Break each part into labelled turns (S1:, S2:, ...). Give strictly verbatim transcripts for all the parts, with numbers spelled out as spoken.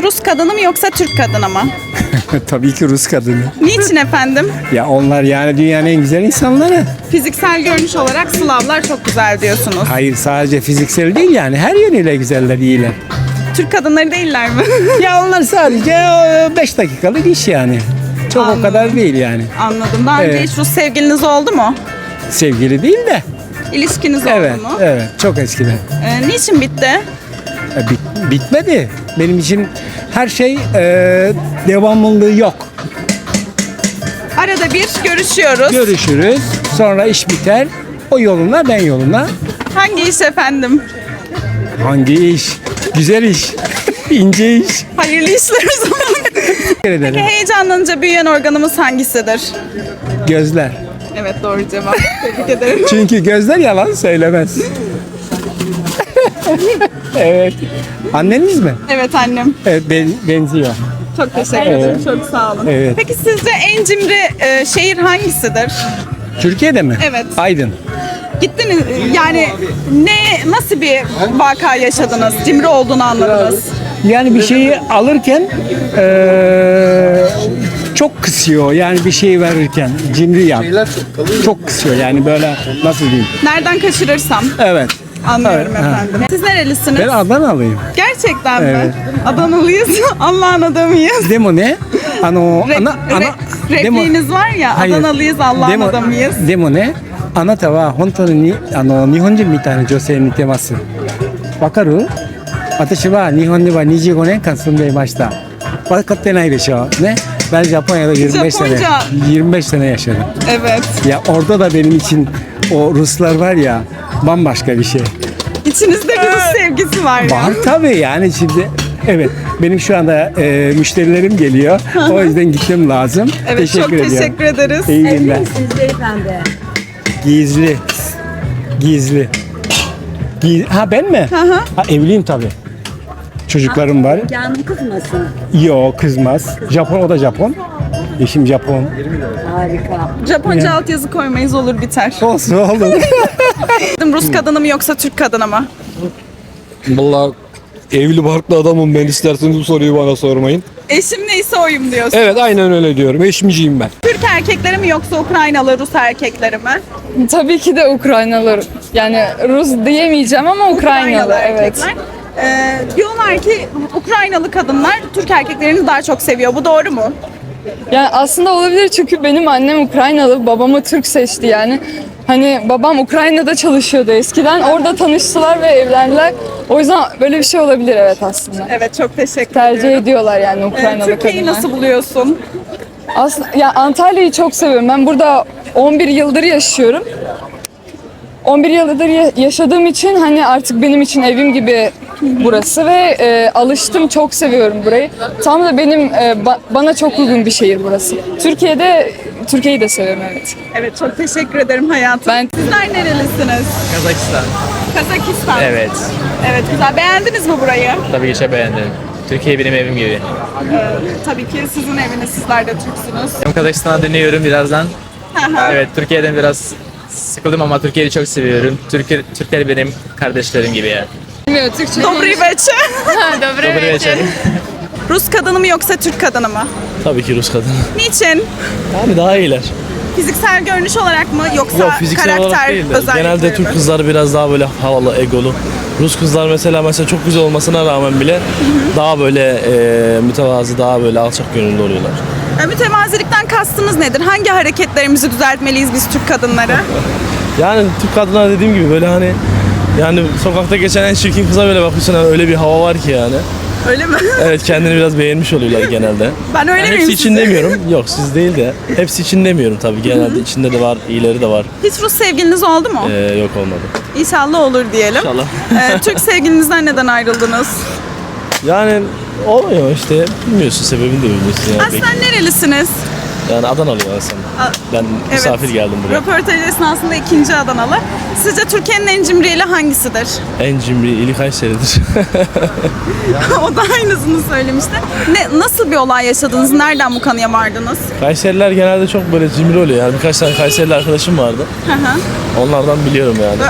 S1: Rus kadını mı yoksa Türk kadını mı?
S2: Tabii ki Rus kadını.
S1: Niçin efendim?
S2: Ya onlar yani dünyanın en güzel insanları.
S1: Fiziksel görünüş olarak Slavlar çok güzel diyorsunuz.
S2: Hayır, sadece fiziksel değil yani her yönüyle güzeller, iyiler.
S1: Türk kadınları değiller mi?
S2: Ya onlar sadece beş dakikalık iş yani. Çok
S1: Anladım.
S2: o kadar değil yani.
S1: Anladım. Daha önce
S2: Evet.
S1: hiç Rus sevgiliniz oldu mu?
S2: Sevgili değil de.
S1: İlişkiniz
S2: Evet,
S1: oldu mu?
S2: evet. Çok eskiden.
S1: Ee, niçin bitti?
S2: E, bit- bitmedi. Benim için her şey e, devamlılığı yok.
S1: Arada bir görüşüyoruz.
S2: Görüşürüz. Sonra iş biter. O yoluna, ben yoluna.
S1: Hangi iş efendim?
S2: Hangi iş? Güzel iş. İnce iş.
S1: Hayırlı işler o zaman.
S2: Teşekkür
S1: Peki
S2: ederim.
S1: heyecanlanınca büyüyen organımız hangisidir?
S2: Gözler.
S1: Evet, doğru cevap. Tebrik ederim.
S2: Çünkü gözler yalan söylemez. Evet. Anneniz mi?
S1: Evet annem.
S2: Evet, ben, benziyor.
S1: Çok teşekkür ederim. Çok sağ olun.
S2: Evet.
S1: Peki sizce en cimri e, şehir hangisidir?
S2: Türkiye'de mi?
S1: Evet.
S2: Aydın.
S1: Gittiniz yani ne nasıl bir vaka yaşadınız? Cimri olduğunu anladınız.
S2: Yani bir şeyi alırken eee, çok kısıyor. Yani bir şey verirken cimri yap. Çok kısıyor yani böyle, nasıl diyeyim?
S1: Nereden kaçırırsam
S2: Evet.
S1: anlıyorum
S2: Evet, ha.
S1: efendim. Siz nerelisiniz?
S2: Ben Adanalıyım.
S1: Gerçekten mi?
S2: Evet.
S1: Adanalıyız. Allah'ın adamıyız.
S2: Demo ne? Ano,
S1: Rep-
S2: ana, ana,
S1: re- repliğiniz var ya,
S2: Hayır.
S1: Adanalıyız, Allah'ın
S2: Demo-
S1: adamıyız.
S2: Demo ne? あなたは本当にあの日本人みたいな女性に似てます。わかる？私は日本にはにじゅうごねんかん住んでいました。分かってないでしょ。ね? Ben Japonya'da yirmi beş sene
S1: Japonca.
S2: yirmi beş sene yaşadım.
S1: Evet.
S2: Ya orada da benim için o Ruslar var ya, bambaşka bir şey.
S1: İçinizde bir Rus sevgisi var ya.
S2: Var tabii yani şimdi. Evet, benim şu anda e, müşterilerim geliyor. O yüzden gitmem lazım.
S1: Evet,
S2: teşekkür
S1: çok
S2: ediyorum.
S1: teşekkür ederiz.
S2: İyi günler.
S3: Siz beyefendi.
S2: Gizli. Gizli. Giz- ha ben mi?
S1: hı.
S2: Ha, evliyim tabii. Çocuklarım var.
S3: Canım kızmasın.
S2: Yok, kızmaz. Japon, o da Japon. Eşim Japon.
S3: Harika.
S1: Japonca altyazı koymayız, olur biter.
S2: Olsun oğlum.
S1: Rus kadını mı yoksa Türk kadını mı?
S4: Vallahi evli barklı adamım ben, isterseniz bu soruyu bana sormayın.
S1: Eşim neyse oyum diyorsun.
S4: Evet, aynen öyle diyorum. Eşmiciyim ben.
S1: Türk erkekleri mi yoksa Ukraynalı Rus erkekleri mi?
S5: Tabii ki de Ukraynalı. Yani Rus diyemeyeceğim ama Ukraynalı, evet.
S1: erkekler. Ee, diyorlar ki Ukraynalı kadınlar Türk erkeklerini daha çok seviyor. Bu doğru mu?
S5: Yani aslında olabilir çünkü benim annem Ukraynalı, babamı Türk seçti yani. Hani babam Ukrayna'da çalışıyordu eskiden. Orada tanıştılar ve evlendiler. O yüzden böyle bir şey olabilir, evet aslında.
S1: Evet, çok teşekkür
S5: Tercih
S1: ediyorum.
S5: ediyorlar yani
S1: Ee,
S5: Ukraynalı
S1: Türkiye'yi
S5: kadınlar.
S1: nasıl buluyorsun?
S5: Aslında ya Antalya'yı çok seviyorum. Ben burada on bir yıldır yaşıyorum. on bir yıldır ya- yaşadığım için hani artık benim için evim gibi burası ve e, alıştım, çok seviyorum burayı. Tam da benim e, ba- bana çok uygun bir şehir burası. Türkiye'de Türkiye'yi de seviyorum, evet.
S1: Evet, çok teşekkür ederim hayatım.
S5: Ben-
S1: Sizler nerelisiniz?
S6: Kazakistan.
S1: Kazakistan.
S6: Evet.
S1: Evet, güzel. Beğendiniz mi burayı?
S6: Tabii ki çok beğendim. Türkiye benim evim gibi.
S1: Ee, tabii ki sizin eviniz, sizler de Türksünüz.
S6: Ben Kazakistan'a dönüyorum birazdan.
S1: Hı hı.
S6: Evet, Türkiye'den biraz sıkıldım ama Türkiye'yi çok seviyorum. Türkiye, Türkler benim kardeşlerim gibi ya.
S5: Bilmiyorum, Türkçe.
S1: Dobry veçe.
S6: Добрый вечер.
S1: Rus kadını mı yoksa Türk kadını mı?
S7: Tabii ki Rus kadını.
S1: Niçin?
S7: Yani daha iyiler.
S1: Fiziksel görünüş olarak mı yoksa
S7: Yok, fiziksel
S1: karakter
S7: olarak değil de.
S1: özellikleri
S7: Genelde Türk
S1: mi?
S7: kızları biraz daha böyle havalı, egolu. Rus kızlar mesela mesela çok güzel olmasına rağmen bile daha böyle e, mütevazı, daha böyle alçak gönüllü oluyorlar.
S1: E, mütevazilikten kastınız nedir? Hangi hareketlerimizi düzeltmeliyiz biz Türk kadınları?
S7: Yani Türk kadınlar dediğim gibi böyle hani yani sokakta geçen en çirkin kıza böyle bakıyorsun, hani öyle bir hava var ki yani.
S1: Öyle mi?
S7: Evet, kendini biraz beğenmiş oluyorlar genelde.
S1: Ben öyle
S7: Yani
S1: miyim
S7: hepsi için
S1: size?
S7: demiyorum. Yok, siz değil de. Hepsi için demiyorum tabii. Genelde içinde de var, iyileri de var.
S1: Hiç Rus sevgiliniz oldu mu?
S7: Ee, yok, olmadı.
S1: İnşallah olur diyelim.
S7: İnşallah.
S1: E, Türk sevgilinizden neden ayrıldınız?
S7: Yani olmuyor işte. Bilmiyorsun, sebebini de bilmiyorsun yani.
S1: Aslen nerelisiniz?
S7: Yani Adanalıyım aslında.
S1: A-
S7: Ben misafir geldim buraya.
S1: Röportaj esnasında ikinci Adanalı. Sizce Türkiye'nin en cimri ili hangisidir?
S7: En cimri ili Kayseri'dir.
S1: O da aynısını söylemişti. Ne, nasıl bir olay yaşadınız? Nereden bu kanıya vardınız?
S7: Kayseriler genelde çok böyle cimri oluyor. Yani birkaç tane Kayserili arkadaşım vardı.
S1: Hı hı.
S7: Onlardan biliyorum yani.
S1: Böyle, Aa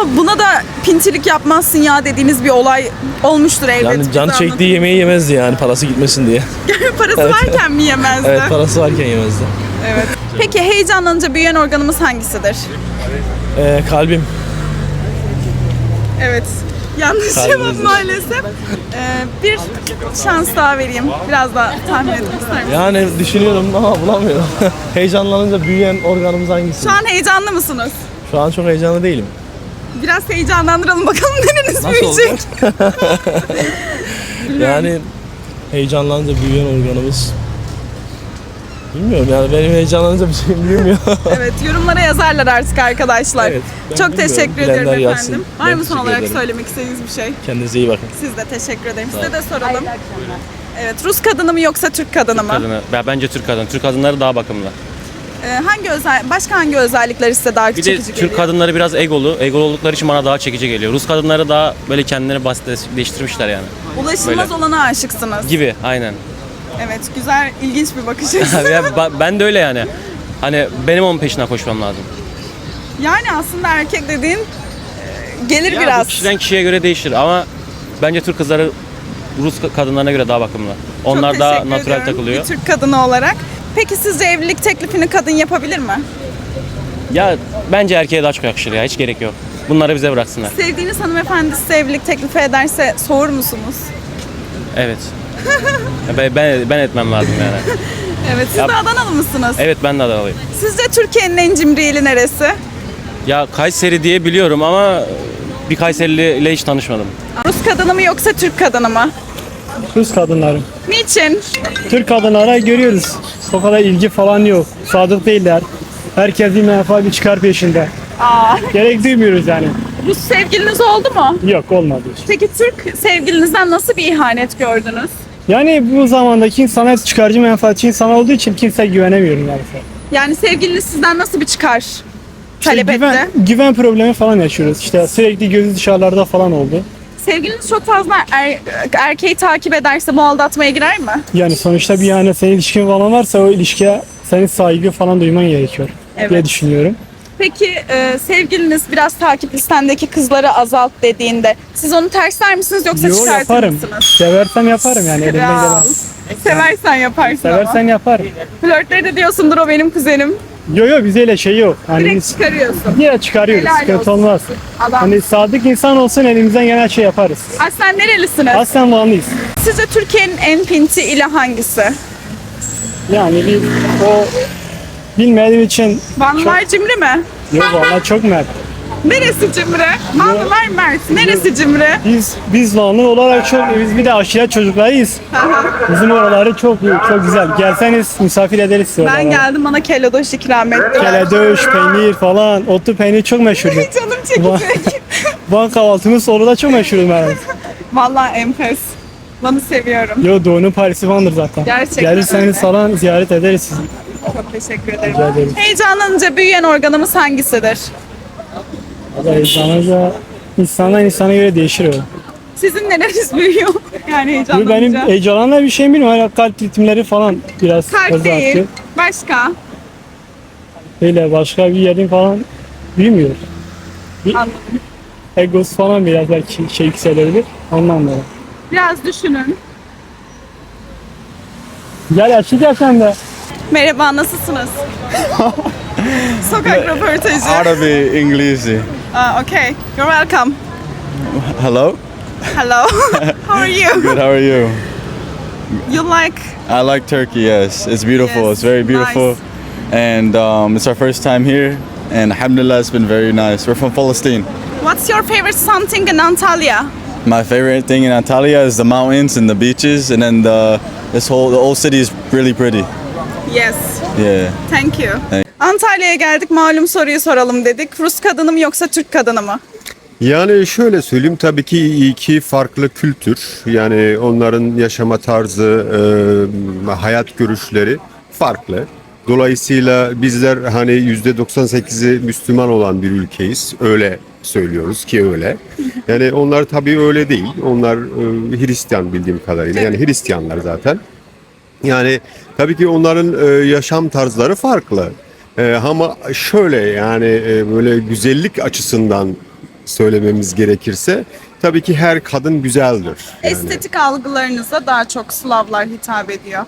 S1: buna da pintilik yapmazsın ya dediğiniz bir olay olmuştur elbet.
S7: Yani
S1: Bize
S7: can çektiği
S1: anlatın.
S7: yemeği yemezdi yani parası gitmesin diye.
S1: Parası
S7: Evet.
S1: varken mi yemezdi?
S7: Evet parası varken yemezdi.
S1: Evet. Peki heyecanlanınca büyüyen organımız hangisidir?
S7: Ee, kalbim.
S1: Evet. Yanlış
S7: Kalbimiz.
S1: cevap maalesef. Ee, bir şans daha vereyim. Biraz daha tahmin etmek ister misiniz?
S7: Yani düşünüyorum ama bulamıyorum. Heyecanlanınca büyüyen organımız hangisi?
S1: Şu an heyecanlı mısınız?
S7: Şu an çok heyecanlı değilim.
S1: Biraz heyecanlandıralım bakalım nereniz
S7: Nasıl
S1: büyüyecek.
S7: Yani heyecanlanınca büyüyen organımız. Bilmiyorum yani benim heyecanlanınca bir şeyim büyümüyor.
S1: Evet, yorumlara yazarlar artık arkadaşlar.
S7: Evet, ben
S1: Çok
S7: bilmiyorum.
S1: teşekkür
S7: Bilenler
S1: ederim
S7: yazsın.
S1: efendim. Var
S7: Ben
S1: mı son
S7: teşekkür
S1: olarak
S7: ederim.
S1: söylemek istediğiniz bir şey?
S7: Kendinize iyi bakın.
S1: Siz de teşekkür ederim. Size de soralım. Evet, Rus kadını mı yoksa Türk kadını mı?
S8: Kadını. Ben bence Türk kadını. Türk kadınları daha bakımlı.
S1: Ee, hangi özel, başka hangi özellikler size daha
S8: Bir de
S1: çekici
S8: Türk
S1: geliyor?
S8: kadınları biraz egolu. Egolu oldukları için bana daha çekici geliyor. Rus kadınları daha böyle kendilerini basitleştirmişler yani.
S1: Ulaşılmaz
S8: böyle.
S1: olana aşıksınız.
S8: Gibi aynen.
S1: Evet, güzel, ilginç bir bakış açısı.
S8: Ya ba- ben de öyle yani. Hani benim onun peşinden koşmam lazım.
S1: Yani aslında erkek dediğin e, gelir
S8: Ya bu
S1: biraz.
S8: kişiden kişiye göre değişir ama bence Türk kızları Rus kadınlarına göre daha bakımlı.
S1: Çok
S8: Onlar daha
S1: teşekkür
S8: natural
S1: ediyorum
S8: takılıyor.
S1: bir Türk kadını olarak. Peki sizce evlilik teklifini kadın yapabilir mi?
S8: Ya bence erkeğe daha çok yakışır ya. Hiç gerek yok. Bunları bize bıraksınlar.
S1: Sevdiğiniz hanımefendi size evlilik teklifi ederse soğur musunuz?
S8: Evet. Ya ben, ben ben etmem lazım yani.
S1: Evet, siz
S8: Ya-
S1: de Adanalı mısınız?
S8: Evet ben de Adanalıyım.
S1: Sizce Türkiye'nin en cimri ili neresi?
S8: Ya Kayseri diye biliyorum ama bir Kayserili ile hiç tanışmadım.
S1: Rus kadını mı yoksa Türk kadını mı?
S9: Rus kadınları.
S1: Niçin?
S9: Türk kadınlara görüyoruz. O kadar ilgi falan yok. Sadık değiller. Herkes bir menfaat bir çıkar peşinde.
S1: Aa,
S9: Gerek duymuyoruz yani.
S1: Rus sevgiliniz oldu mu?
S9: Yok olmadı.
S1: Peki Türk sevgilinizden nasıl bir ihanet gördünüz?
S9: Yani bu zamandaki insanlar çıkarcı menfaatçi insan olduğu için kimseye güvenemiyorum yani.
S1: Yani sevgiliniz sizden nasıl bir çıkar talep
S9: İşte güven,
S1: etti?
S9: güven problemi falan yaşıyoruz. İşte sürekli gözü dışarılarda falan oldu.
S1: Sevgiliniz çok fazla er- erkeği takip ederse bu aldatmaya girer mi?
S9: Yani sonuçta bir yani senin ilişkin falan varsa o ilişkiye senin saygı falan duyman gerekiyor
S1: Evet.
S9: diye düşünüyorum.
S1: Peki e, sevgiliniz biraz takip listendeki kızları azalt dediğinde siz onu tersler misiniz yoksa
S9: Yo
S1: çıkartır
S9: yaparım.
S1: mısınız?
S9: Seversem yaparım yani elimden
S1: Kral.
S9: gelen.
S1: Seversen yaparsın
S9: Seversen
S1: ama.
S9: yaparım.
S1: Flörtleri de diyorsundur o benim kuzenim.
S9: Yo yo bize öyle şey yok. Hani
S1: Direkt
S9: biz
S1: çıkarıyorsun.
S9: yine çıkarıyoruz.
S1: Helal
S9: Sıkıntı
S1: olsun.
S9: olmaz.
S1: Adam.
S9: Hani sadık insan olsun elimizden gelen şey yaparız.
S1: Aslen nerelisiniz?
S9: Aslen bağlıyız.
S1: Sizce Türkiye'nin en pinti ili hangisi?
S9: Yani bir o bilmediğim için
S1: Vanlılar cimri mi?
S9: yok valla çok mert.
S1: Neresi cimri? Vanlılar mert. Neresi cimri?
S9: Biz biz Vanlı olarak çok biz bir de aşiret çocuklarıyız. Bizim oraları çok iyi, çok güzel. Gelseniz misafir ederiz sizi
S1: Ben
S9: oralara.
S1: geldim bana kellodoş ikram ettiler.
S9: Keledoş, peynir falan, otlu peynir çok meşhurdur.
S1: Canım çekecek.
S9: Van kahvaltımız orada çok meşhurdur meğer.
S1: Vallahi enfes. Van'ı seviyorum.
S9: Yo Doğu'nun Paris'i Van'dır zaten.
S1: Gerçekten öyle.
S9: Gelirseniz falan ziyaret ederiz sizi.
S1: Çok teşekkür ederim.
S9: Rica ederim.
S1: Heyecanlanınca büyüyen organımız hangisidir?
S9: Valla heyecanınca insandan insana göre değişir o.
S1: Sizin neleriniz büyüyor? Yani
S9: Bu
S1: heyecanlanınca.
S9: benim heyecanla bir şeyim bilmiyorum. Hala kalp ritimleri falan biraz
S1: Kalp
S9: hızlı
S1: değil.
S9: atıyor.
S1: Başka?
S9: Öyle başka bir yerin falan büyümüyor.
S1: Anladım.
S9: Egos falan biraz belki şey yükselebilir. Ondan dolayı.
S1: Biraz düşünün.
S9: Gel açacağız sen de.
S1: Merhaba, nasılsınız? Sokak röportajı.
S10: Arabic, English.
S1: Uh, okay, you're welcome.
S10: Hello.
S1: Hello. How are you?
S10: Good. How are you?
S1: You like?
S10: I like Turkey. Yes, it's beautiful.
S1: Yes,
S10: It's very beautiful,
S1: nice.
S10: and um, it's our first time here. And alhamdulillah, it's been very nice. We're from Palestine.
S1: What's your favorite something in Antalya?
S10: My favorite thing in Antalya is the mountains and the beaches, and then the this whole the old city is really pretty.
S1: Yes.
S10: Yeah.
S1: Thank you.
S10: Thank-
S1: Antalya'ya geldik, malum soruyu soralım dedik. Rus kadını mı yoksa Türk kadını mı?
S11: Yani şöyle söyleyeyim, tabii ki iki farklı kültür, yani onların yaşama tarzı, e, hayat görüşleri farklı. Dolayısıyla bizler hani yüzde doksan sekizi Müslüman olan bir ülkeyiz, öyle söylüyoruz ki öyle. Yani onlar tabii öyle değil, onlar e, Hristiyan bildiğim kadarıyla, yani Hristiyanlar zaten. Yani tabii ki onların e, yaşam tarzları farklı. E, ama şöyle yani e, böyle güzellik açısından söylememiz gerekirse tabii ki her kadın güzeldir. Yani,
S1: Estetik algılarınıza daha çok Slavlar hitap ediyor.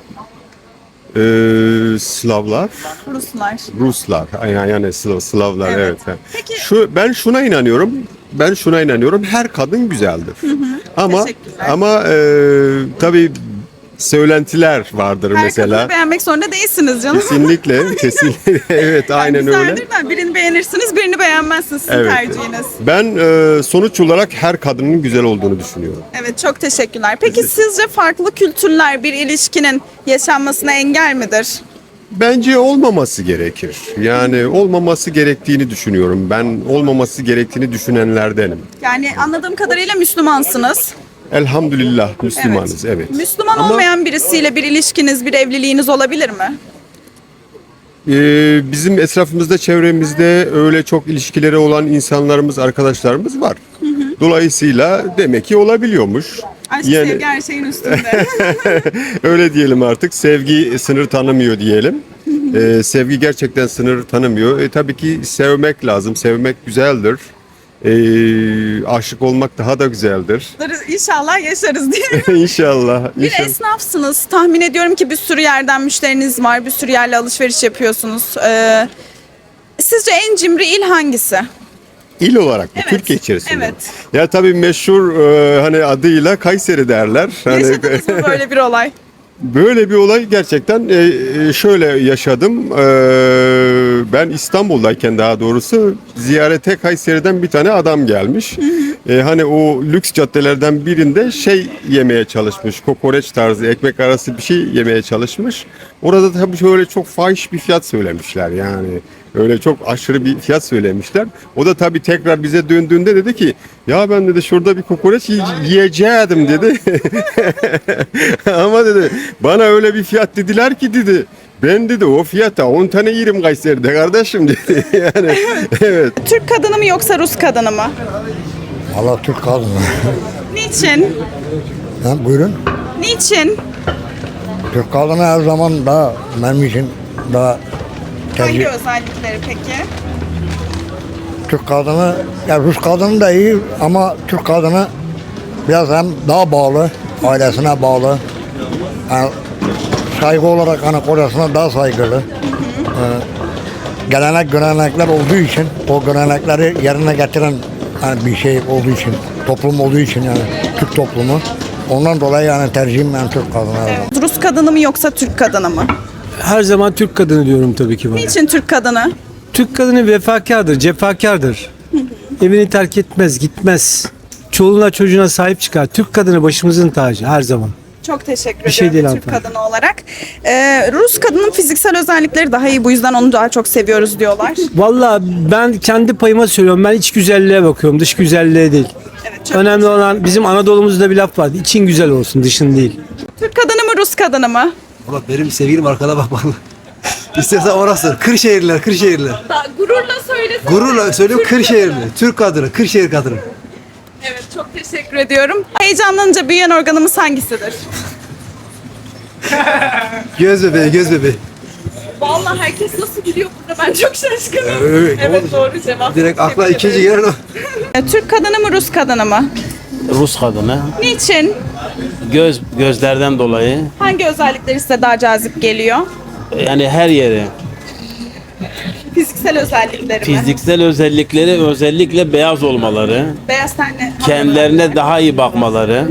S11: e, Slavlar,
S1: Ruslar.
S11: Ruslar, yani, yani Slav, Slavlar
S1: Evet.
S11: evet.
S1: Peki-
S11: Şu ben şuna inanıyorum. Ben şuna inanıyorum. Her kadın güzeldir. Ama
S1: Teşekkürler.
S11: ama e, tabii söylentiler vardır
S1: Her
S11: mesela.
S1: kadını beğenmek zorunda değilsiniz canım.
S11: Kesinlikle, kesinlikle. Evet,
S1: Yani
S11: aynen öyle.
S1: güzeldir de birini beğenirsiniz, birini beğenmezsiniz. Sizin
S11: Evet.
S1: tercihiniz.
S11: Ben e, sonuç olarak her kadının güzel olduğunu düşünüyorum.
S1: Evet, çok teşekkürler. Peki sizce farklı kültürler bir ilişkinin yaşanmasına engel midir?
S11: Bence olmaması gerekir. Yani olmaması gerektiğini düşünüyorum. Ben olmaması gerektiğini düşünenlerdenim.
S1: Yani anladığım kadarıyla Müslümansınız.
S11: Elhamdülillah Müslümanız, evet.
S1: Müslüman
S11: Ama-
S1: olmayan birisiyle bir ilişkiniz, bir evliliğiniz olabilir mi?
S11: Ee, bizim etrafımızda, çevremizde öyle çok ilişkileri olan insanlarımız, arkadaşlarımız var. Dolayısıyla demek ki olabiliyormuş.
S1: Aşk,
S11: Yani-
S1: sevgi her şeyin üstünde.
S11: Öyle diyelim artık. Sevgi sınır tanımıyor diyelim. Ee, sevgi gerçekten sınır tanımıyor. E, tabii ki sevmek lazım. Sevmek güzeldir. Ee, aşık olmak daha da güzeldir.
S1: İnşallah yaşarız diye.
S11: İnşallah.
S1: Bir
S11: İnşallah.
S1: esnafsınız. Tahmin ediyorum ki bir sürü yerden müşteriniz var. Bir sürü yerle alışveriş yapıyorsunuz. Ee, sizce en cimri il hangisi?
S11: İl olarak mı?
S1: Evet,
S11: Türkiye içerisinde.
S1: evet.
S11: Ya tabii meşhur e, hani adıyla Kayseri derler. Hani,
S1: Yaşadınız mı böyle bir olay?
S11: böyle bir olay gerçekten e, e, şöyle yaşadım. E, ben İstanbul'dayken daha doğrusu ziyarete Kayseri'den bir tane adam gelmiş. E, hani o lüks caddelerden birinde şey yemeye çalışmış. Kokoreç tarzı ekmek arası bir şey yemeye çalışmış. Orada tabii şöyle çok fahiş bir fiyat söylemişler yani. Öyle çok aşırı bir fiyat söylemişler. O da tabii tekrar bize döndüğünde dedi ki ya ben dedi şurada bir kokoreç yiye- yiyeceğim dedi. Ama dedi bana öyle bir fiyat dediler ki dedi. Ben dedi o fiyata on tane yerim Kayseri'de kardeşim dedi. Yani evet.
S1: Türk kadını mı yoksa Rus kadını mı?
S12: Valla Türk kadını.
S1: Niçin?
S12: Ha, buyurun.
S1: Niçin?
S12: Türk kadını her zaman daha benim için daha
S1: Hangi
S12: tercih.
S1: özellikleri peki?
S12: Türk kadını, ya Rus kadını da iyi ama Türk kadını biraz hem daha bağlı, ailesine bağlı. Yani saygı olarak hani kocasına daha saygılı. Ee, gelenek görenekler olduğu için, o görenekleri yerine getiren yani bir şey olduğu için, toplum olduğu için yani Türk toplumu. Ondan dolayı yani tercihim ben Türk kadını.
S1: Evet. Rus kadını mı yoksa Türk kadını mı?
S2: Her zaman Türk kadını diyorum tabii ki bana.
S1: Niçin Türk kadını?
S2: Türk kadını vefakardır, cefakardır. Evini terk etmez, gitmez. Çoluğuna çocuğuna sahip çıkar. Türk kadını başımızın tacı her zaman.
S1: Çok teşekkür
S2: Bir şey
S1: ediyorum
S2: değil
S1: Türk
S2: hanımefendi.
S1: kadını olarak. Ee, Rus kadının fiziksel özellikleri daha iyi, bu yüzden onu daha çok seviyoruz diyorlar.
S2: Vallahi ben kendi payıma söylüyorum. Ben iç güzelliğe bakıyorum, dış güzelliğe değil.
S1: Evet, çok
S2: Önemli olan bizim Anadolu'muzda bir laf var. İçin güzel olsun, dışın değil.
S1: Türk kadını mı Rus kadını mı?
S12: Valla benim sevgilim arkada bak bana. İstersen orası. Kırşehirliler, Kırşehirliler.
S1: Gururla söylesene.
S12: Gururla söylüyorum Kırşehirli. Türk kadını, Kırşehir kadını.
S1: Evet, çok teşekkür ediyorum. Heyecanlanınca büyüyen organımız hangisidir?
S12: Göz bebeği, göz bebeği.
S1: Vallahi herkes nasıl biliyor burada, ben çok şaşkınım.
S12: Evet,
S1: Evet, doğru cevap.
S12: Direkt akla
S1: Tebrik
S12: ikinci
S1: ederim.
S12: gelen o.
S1: Ee, Türk kadını mı Rus kadını mı?
S8: Rus kadını.
S1: Niçin?
S8: Göz gözlerden dolayı
S1: Hangi özellikleri size daha cazip geliyor?
S8: yani her yeri.
S1: Fiziksel özellikleri mi?
S8: Fiziksel özellikleri özellikle beyaz olmaları,
S1: Beyaz tenli.
S8: kendilerine daha iyi bakmaları.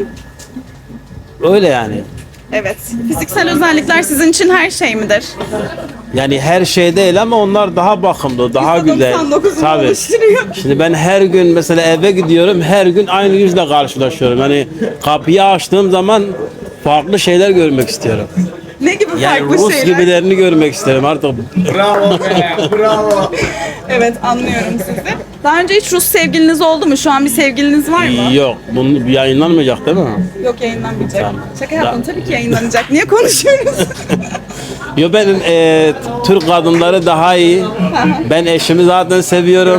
S8: Öyle yani.
S1: Evet. Fiziksel özellikler sizin için her şey midir?
S8: Yani her şey değil ama onlar daha bakımlı, daha
S1: yüzde
S8: güzel.
S1: doksan dokuzunu
S8: Tabii.
S1: oluşturuyor.
S8: Şimdi ben her gün mesela eve gidiyorum, her gün aynı yüzle karşılaşıyorum. Yani kapıyı açtığım zaman farklı şeyler görmek istiyorum.
S1: Ne gibi
S8: Yani
S1: farklı
S8: Rus
S1: şeyler?
S8: gibilerini görmek isterim artık.
S1: Evet, anlıyorum sizi. Daha önce hiç Rus sevgiliniz oldu mu? Şu an bir sevgiliniz var mı?
S8: Yok, bunu yayınlanmayacak değil mi?
S1: Yok, yayınlanmayacak.
S8: Tamam.
S1: Şaka yaptım, tabii ki yayınlanacak. Niye konuşuyoruz?
S8: Yo ben e, Türk kadınları daha iyi. Ben eşimi zaten seviyorum.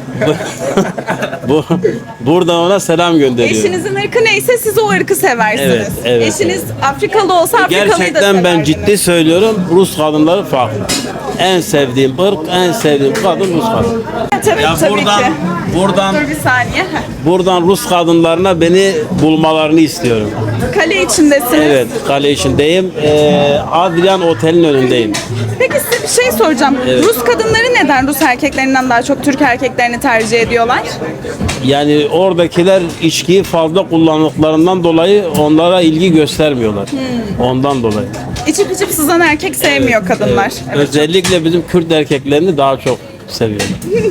S8: Bu buradan ona selam gönderiyorum.
S1: Eşinizin ırkı neyse siz o ırkı seversiniz.
S8: Evet, evet,
S1: Eşiniz Afrikalı olsa Afrikalıyı da
S8: Gerçekten ben
S1: severdiniz.
S8: ciddi söylüyorum. Rus kadınları farklı. En sevdiğim ırk, en sevdiğim kadın Rus kadın.
S1: Tabii,
S8: Ya
S1: tabii
S8: buradan,
S1: ki.
S8: buradan,
S1: Dur bir saniye.
S8: buradan Rus kadınlarına beni bulmalarını istiyorum.
S1: Kale içindesiniz.
S8: Evet, kale içindeyim. Ee, Adrian Otel'in önündeyim.
S1: Peki size bir şey soracağım.
S8: Evet.
S1: Rus kadınları neden Rus erkeklerinden daha çok Türk erkeklerini tercih ediyorlar?
S8: Yani oradakiler içkiyi fazla kullandıklarından dolayı onlara ilgi göstermiyorlar. Ondan dolayı.
S1: İçip içip sızan erkek sevmiyor kadınlar. Evet,
S8: Özellikle bizim Kürt erkeklerini daha çok seviyorlar.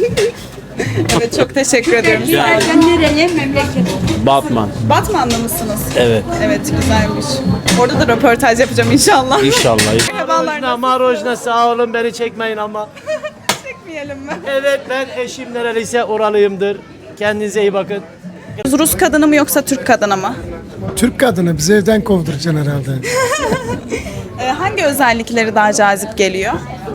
S1: evet, çok teşekkür ediyorum.
S3: Sen nereye memleket?
S8: Batman.
S1: Batmanlı mısınız?
S8: Evet.
S1: Evet, güzelmiş. Orada da röportaj yapacağım inşallah.
S8: İnşallah.
S1: Merhabalar.
S9: Marojna sağ olun beni çekmeyin ama.
S1: Çekmeyelim mi?
S9: Evet ben eşim nereliyse oralıyımdır. Kendinize iyi bakın.
S1: Rus kadını mı yoksa Türk kadını mı?
S12: Türk kadını bizi evden kovduracaksın herhalde.
S1: Ee, hangi özellikleri daha cazip geliyor?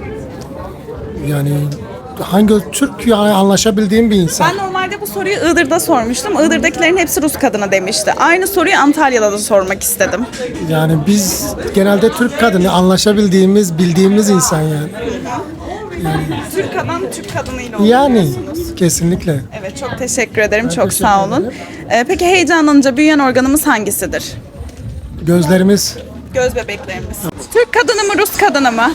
S12: Yani hangi Türk yani anlaşabildiğim bir insan.
S1: Ben normalde bu soruyu Iğdır'da sormuştum. Iğdır'dakilerin hepsi Rus kadını demişti. Aynı soruyu Antalya'da da sormak istedim.
S12: Yani biz genelde Türk kadını anlaşabildiğimiz, bildiğimiz insan yani.
S1: Türk adam Türk kadınıyla
S12: Yani
S1: oluyorsunuz.
S12: kesinlikle.
S1: Evet, çok teşekkür ederim. Çok sağ olun. Ee, peki heyecanlanınca büyüyen organımız hangisidir?
S12: Gözlerimiz
S1: Göz bebeklerimiz. Türk kadını mı Rus kadını mı?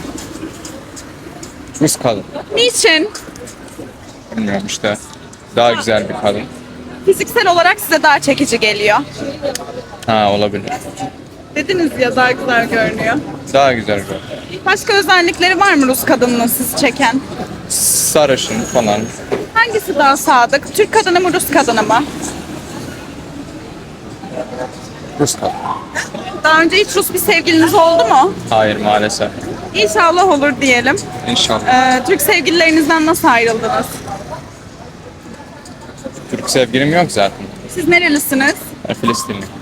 S6: Rus kadın.
S1: Niçin?
S6: Bilmiyorum işte. Daha güzel bir kadın.
S1: Fiziksel olarak size daha çekici geliyor.
S6: Ha olabilir.
S1: Dediniz ya daha güzel görünüyor.
S6: Daha güzel bir.
S1: Başka özellikleri var mı Rus kadının sizi çeken?
S6: Sarışın falan.
S1: Hangisi daha sadık? Türk kadını mı Rus kadını mı?
S6: Rus kadın.
S1: Daha önce hiç Rus bir sevgiliniz oldu mu?
S6: Hayır maalesef.
S1: İnşallah olur diyelim.
S6: İnşallah.
S1: Ee, Türk sevgililerinizden nasıl ayrıldınız?
S6: Türk sevgilim yok zaten.
S1: Siz nerelisiniz?
S6: Ben Filistinli.